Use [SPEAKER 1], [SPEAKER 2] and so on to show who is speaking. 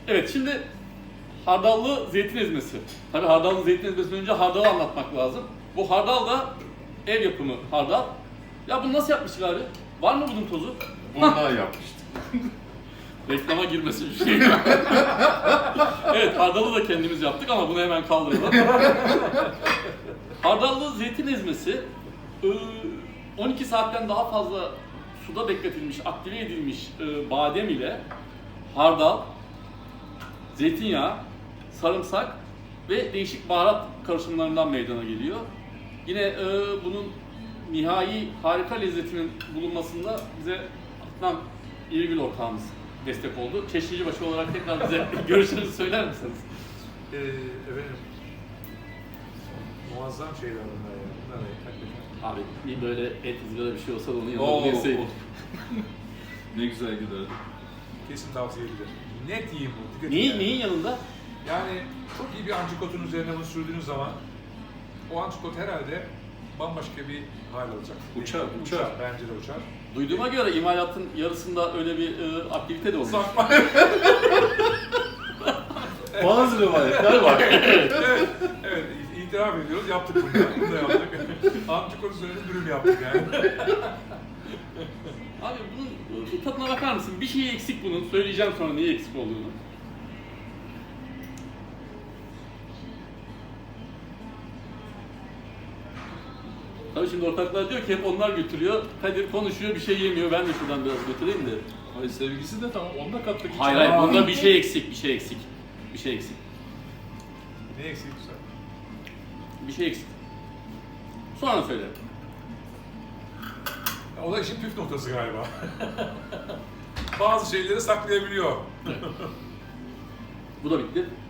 [SPEAKER 1] Evet, şimdi hardallı zeytin ezmesi. Tabii hardallı zeytin ezmesinden önce hardalı anlatmak lazım. Bu hardal da ev yapımı hardal. Ya bunu nasıl yapmıştık abi? Var mı bunun tozu?
[SPEAKER 2] Bundan yapmıştık.
[SPEAKER 1] Reklama girmesi bir şey. Evet, hardalı da kendimiz yaptık ama bunu hemen kaldıralım. Hardallı zeytin ezmesi 12 saatten daha fazla suda bekletilmiş, aktive edilmiş badem ile hardal, zeytinyağı, sarımsak ve değişik baharat karışımlarından meydana geliyor. Yine bunun nihai harika lezzetinin bulunmasında bize Adnan İrgül ortağımız destek oldu. Çeşnicibaşı olarak tekrar bize görüşlerinizi söyler misiniz?
[SPEAKER 3] Efendim, muazzam şeyler bunlar ya. Bunlar hakikaten.
[SPEAKER 1] Abi bir böyle et ızgara bir şey olsa da onun yanına
[SPEAKER 2] Oo.
[SPEAKER 1] bunu yeseydik.
[SPEAKER 2] Ne güzel giderdi.
[SPEAKER 3] Kesin tavsiye edilir. Net yiyin bu. Dikkat edin yani.
[SPEAKER 1] Neyin yanında?
[SPEAKER 3] Yani çok iyi bir antrikotun üzerine bunu sürdüğünüz zaman o antrikot herhalde bambaşka bir hal alacak.
[SPEAKER 2] Uçar.
[SPEAKER 3] Bence de uçar.
[SPEAKER 1] Duyduğuma göre imalatın yarısında öyle bir aktivite de olmuş.
[SPEAKER 3] Sakma.
[SPEAKER 2] Bazı rivayetler var.
[SPEAKER 3] Evet, itiraf ediyoruz. Yaptık bunu. Bunu da yaptık. Antrikot üzerine dürüm yaptık yani.
[SPEAKER 1] Abi bunun bir tadına bakar mısın? Bir şey eksik bunun. Söyleyeceğim sonra niye eksik olduğunu. Tabii şimdi ortaklar diyor ki hep onlar götürüyor. Kadir konuşuyor, bir şey yemiyor. Ben de şuradan biraz götüreyim de.
[SPEAKER 2] Ay sevgisi de tamam. Onda kattık.
[SPEAKER 1] Hayır hayır, bunda bir şey eksik, bir şey eksik. Bir şey eksik.
[SPEAKER 3] Ne eksik güzel.
[SPEAKER 1] Bir şey eksik. Sonra söyle.
[SPEAKER 3] O da işin püf noktası galiba. Bazı şeyleri saklayabiliyor.
[SPEAKER 1] Bu da bitti.